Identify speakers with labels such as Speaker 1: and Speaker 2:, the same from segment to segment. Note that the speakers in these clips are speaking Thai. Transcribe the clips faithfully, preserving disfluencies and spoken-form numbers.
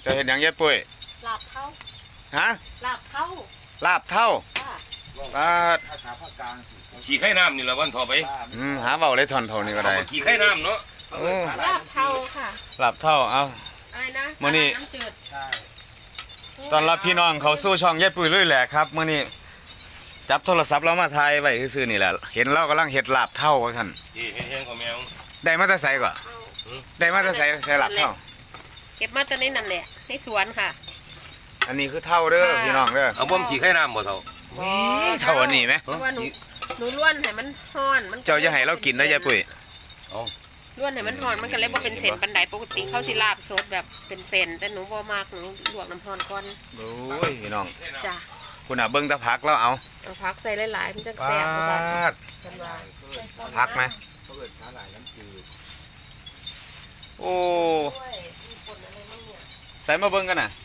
Speaker 1: จะเห็นอย่างเย็ดปุ้ย
Speaker 2: ลาบเท่า
Speaker 1: ฮะ
Speaker 2: ลาบเท่า
Speaker 1: ลาบเท่าปลา
Speaker 3: ภาษาภาคกลาง
Speaker 4: ขี่ไข่น้ำนี่ละวันต่อไป
Speaker 1: อืมหาเบาเลยทอนเท่านี้ก็ได้
Speaker 4: ขี่ไข่น้ำเนาะ
Speaker 2: ลาบเท่าค่ะ
Speaker 1: ลาบเท่าเอา
Speaker 2: อะไรนะ
Speaker 1: มื้อนี้
Speaker 2: น้ำจืดใช่
Speaker 1: ตอนรับพี่น้องเขาสู้ช่องเย็ดปุ้ยลุยแหลกครับมื้อนี้จับโทรศัพท์เรามาถ่ายไว้ซื่อๆนี่แหละเห็นเรากำลังเฮ็ดลาบเท่าว่าซั่น
Speaker 4: นี่เฮ็ดๆของแมว
Speaker 1: ได้มาแต่ไสก่อนได้มาแต่ไสใส่ลาบเท่า
Speaker 2: เก็บมาจากในนั่นแหละในสวนค่ะ
Speaker 1: อันนี้คือเท่าเด้อพี่น้องเด้อ
Speaker 4: เอาบ่มขี่ไข่น้ำบ่เท่า
Speaker 1: เท่าอันนี้ไหม
Speaker 2: เพราะว่าหนูหนูล้วนให้มันห่อนมัน
Speaker 1: เจ้าจะให้เรากินได้ยายปุ้ย
Speaker 2: ล้วนให้มันห่อนมันก็เลยบ่เป็นเส้นปันไดปกติเขาสิลาบสดแบบเป็นเส้นแต่หนูบ่มากหนูลวกน้ำห่อนก่อน
Speaker 1: โอ้ยพี่น้อง
Speaker 2: จ้ะ
Speaker 1: คุณน่ะเบิ่งตะผักแล้วเอา
Speaker 2: เอาผักใส่หลายๆมันจะแซ่บว่าซั่น
Speaker 1: ผักไหมโอ้ใส่มาเบิ่งกันน่ะ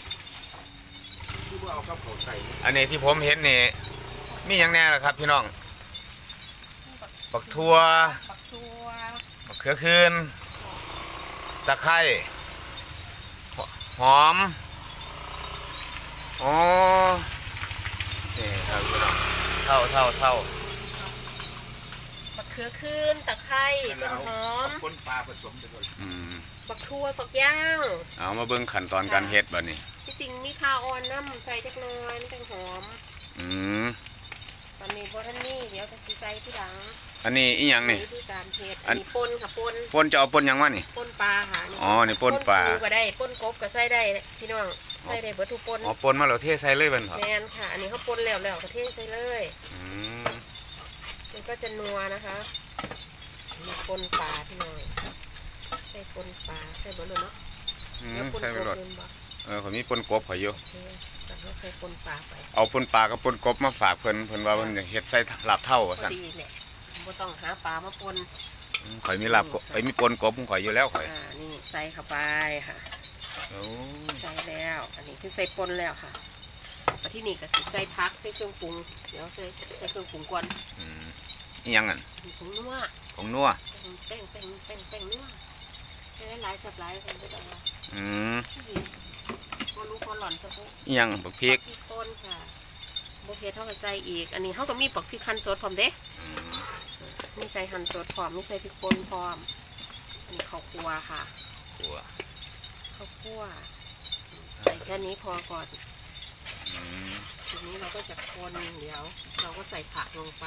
Speaker 1: อันนี้ที่ผมเห็นนี่มีอย่างแน่ล่ะครับพี่น้องบักทั่วบักเขือคืนตะไคร้หอมอ๋อนี่ครับพี่น้องเท่าเท่าเท่า
Speaker 2: บักเขือคืนตะไคร้ต้นหอม
Speaker 3: คนปลาผสมไปด้วย
Speaker 2: บักทั่วฝักย่าง
Speaker 1: เอามาเบิ่งขั้นตอนการเฮ็ดบัดนี้
Speaker 2: ที่จริงมีข้าวอ่อนน้ำใส่จักหน่อยมันจังหอม
Speaker 1: อืม
Speaker 2: ตอนนี้บ่ทันนี่เดี๋ยวจะสิใส่ทีหลัง
Speaker 1: อันนี้อีหยังนี่
Speaker 2: วิธีการเฮ็ดอันนี้ป่นค่ะป่น
Speaker 1: ป่นจะเอาป่นหยังวะนี่
Speaker 2: ป่นปลาค่ะ
Speaker 1: อ๋อนี่ป่นปลา
Speaker 2: ก็ได้ป่นกบก็ใส่ได้พี่น้องใส่ได้เบิดทุกป่น
Speaker 1: อ๋อป่นมาแล้วเทใส่เลยเบิ่นเหรอ
Speaker 2: แม่นค่ะอันนี้เขาป่นแล้วแล้วก็เทใส่เลย
Speaker 1: อืม
Speaker 2: มันก็จะนัวนะคะมีป่นปลาพี่น้องใส่ป่นปลาใส่เบิดเลยเนาะ
Speaker 1: อืมใส่ไปหมดเออผมมีป่นกบข่อยอยู่
Speaker 2: สั่งเขาใส่ป่นปลาไป
Speaker 1: เอาป่นปลากับป่นกบมาฝากเพิ่นเพิ่นว่าเพิ่นเฮ็ดใส่ลาบเท่าว่าซั่น
Speaker 2: ดีเนี่ยบ่ต้องหาปลามาป่น
Speaker 1: ข่อยมีลาบข่อยมีป่นกบข่อยอยู่แล้วข่อย
Speaker 2: อ่านี่ใส่เข้าไปค่ะ
Speaker 1: โอ้
Speaker 2: ใส่แล้วอันนี้คือใส่ป่นแล้วค่ะมาที่นี่ก็สิใส่ผักใส่เครื่องปรุงเดี๋ยวใส่ใส่เครื่องปรุงก่อน
Speaker 1: อืมอีหยังอ่ะ
Speaker 2: ผงนัว
Speaker 1: ผงนัว
Speaker 2: แป้งแป้งแป้งแป้งนัวใช้หลายสับหลายคนก็ได้ว่า
Speaker 1: อืม
Speaker 2: บ่รู้คนหล่อนสักปุ๊บ
Speaker 1: อีหยังบักพริก
Speaker 2: พริกป่นค่ะบ่เผ็ดเท่ากับใส่อีกอันนี้เฮาก็มีปักพริกหั่นสดพร้อมเด้มีใส่หั่นสดพร้อมมีใส่พริกป่นพร้อมอันนี้ข้าวคั่วค่ะ
Speaker 1: คั่ว
Speaker 2: ข้าวคั่วใส่แค่นี้พอก่อนทีนี้เราก็จะคนเดี๋ยวเราก็ใส่ผักลงไป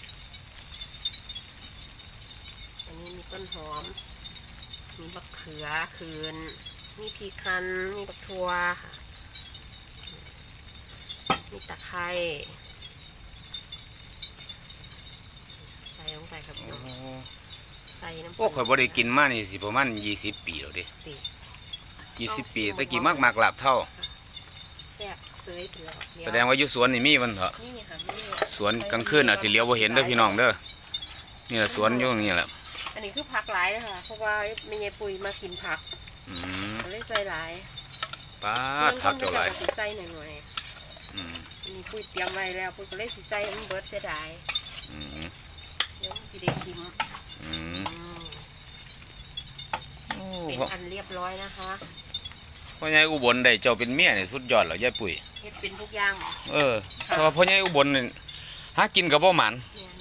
Speaker 2: อันนี้มีต้นหอมมีบักเขือคืนมีพริกคั่นมีบักทั่วค่ะมีตะไคร้ใส่ลงไปครับพี่น้องใส่น้ำ
Speaker 1: โอ้ข่อยบ่ได้กินมานี่สิประมาณยี่สิบปีแล้วดิยี่สิบปีตะกี้มากๆลาบเท่า
Speaker 2: แซ่บเสยเถื่อ
Speaker 1: แสดงว่าอยู่สวนนี่มีมันเถอะ
Speaker 2: นี่ค่ะนี่
Speaker 1: สวนกลางคืนอาจจะเลี้ยวบ่เห็นเด้อพี่น้องเด้อนี่แหละสวนอยู่นี่แหละ
Speaker 2: อันนี้คือผักหลายนะคะเพราะว่ามียายปุ๋ยมากินผัก
Speaker 1: อืม
Speaker 2: เลยใส่หลาย
Speaker 1: ป้าผักเท่าไหร่
Speaker 2: ใส่หน่อยหน่อย
Speaker 1: อืม
Speaker 2: มีปุ๋ยเตรียมไว้แล้วปุ๋ยก็เลยสิใส่มันเบิดเสียดาย
Speaker 1: อืม
Speaker 2: เดี๋ยวมันสิได้กิน
Speaker 1: อืม
Speaker 2: เป็นอันเรียบร้อยนะคะ
Speaker 1: พ่อใหญ่อุบลได้เจ้าเป็นเมียนี่สุดยอดแล้วยายปุ๋ย
Speaker 2: เฮ็ดเป็นทุกอย่าง
Speaker 1: เออเพราะว่าพ่อใหญ่อุบลนี่หากินกับบ่หมัน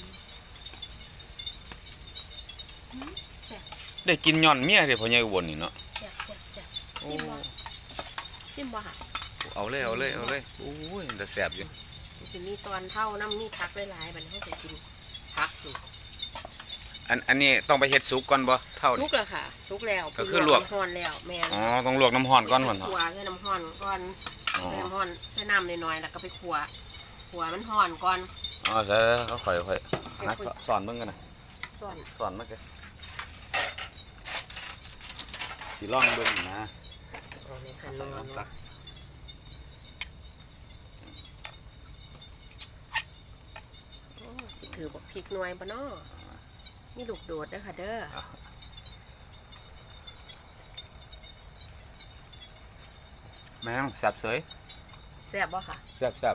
Speaker 1: ได้กินย่อนเมียเด้พ่อใหญ่อุบลนี่เนาะ
Speaker 2: แซ่บๆๆจิ้มบ่จิ้มบ่ค่ะ
Speaker 1: เอาเลยเอาเลยเอาเลยโอ้ยแต่แซ่บอยู่
Speaker 2: สิมีตอนเท่าน้ำมีผักหลายๆบัดนี้เฮาจะกินผักสุก
Speaker 1: อันอันนี้ต้องไปเฮ็ดสุกก่อนบ่เท่า
Speaker 2: สุกแล้วค่ะสุกแล้ว
Speaker 1: ก็คือลวก
Speaker 2: น้ำร้อนแล้วแม่
Speaker 1: อ๋อต้องลวกน้ำร้อนก่อนก่อน
Speaker 2: คั่วใส่น้ำร้อนก่อนใส่น้ำร้อนใส่น้ำน้อยๆแล้วก็ไปคั่วคั่วมันร้อนก่อน
Speaker 1: อ๋อใส่เขาค่อยๆนะสอนเบิ่งกันนะ
Speaker 2: สอน
Speaker 1: สอนมาจ้ะสิลองเบิ่งนะ
Speaker 2: เอาในคันนอนสิคือบอกพริกหน่วยบ่เนาะนี่ลูกโดดเด้อค่ะเด้อ
Speaker 1: แม่งแซ่บเสย
Speaker 2: แซ่บบ่ค่ะ
Speaker 1: แซ่บแซ่บ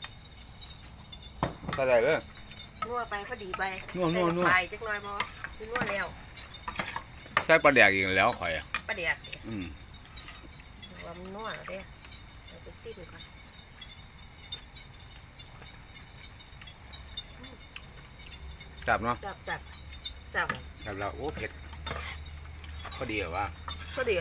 Speaker 1: ใส่ได้เลย
Speaker 2: นัวไปพอดีไป
Speaker 1: นัวนัวนัว
Speaker 2: ไปจักหน่อยบ่คือนัวแล้ว
Speaker 1: ใส่ปลาแดกอีกแล้วข่อยอ่ะ
Speaker 2: ปลาแดก
Speaker 1: อืม
Speaker 2: โอ้ว่ามันนัวแล้วเด้เอาไปซิมก่อน
Speaker 1: จับเนาะ
Speaker 2: จับจับจับ
Speaker 1: จับแล้วโอ้เผ็ดพอดีเหรอวะ
Speaker 2: ก็ดี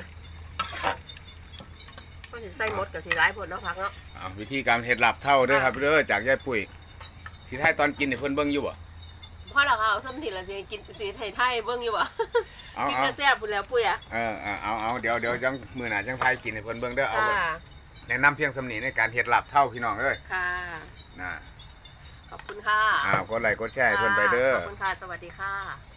Speaker 2: ก็จะใส่หมดกับที่ร้ายผลเนาะพักเนาะ
Speaker 1: อ้าววิธีการเฮ็ดลาบเท่าเด้อครับเด้อจากยายปุ้ยที่ท้ายตอนกินเนี่ยเพิ่นเบิ่งอยู่บ่
Speaker 2: พ่อเราเอาส้มถิ่นละสิกินสีไทยไทยเบิ้งอยู่บ่
Speaker 1: เอา
Speaker 2: กิน
Speaker 1: เอา
Speaker 2: กระแซ่บพุ่นแล้วปุ้ยอ่ะ
Speaker 1: เออเอาเอาเอาเดี๋ยวเดี๋ยวจังมื้อหน้าจังทายกินให้เพิ่นเบิ่งเด้อเอา
Speaker 2: ค่ะ
Speaker 1: แนะนำเพียงสำนีในการเฮ็ดลาบเท่าพี่น้องเอ้ย
Speaker 2: ค่ะ
Speaker 1: นะ
Speaker 2: ขอบคุณค่ะ
Speaker 1: อ้าวกดไลค์กดแชร์ให้เพิ่นไปเด้อ
Speaker 2: ขอบคุณค่ะ สวัสดีค่ะ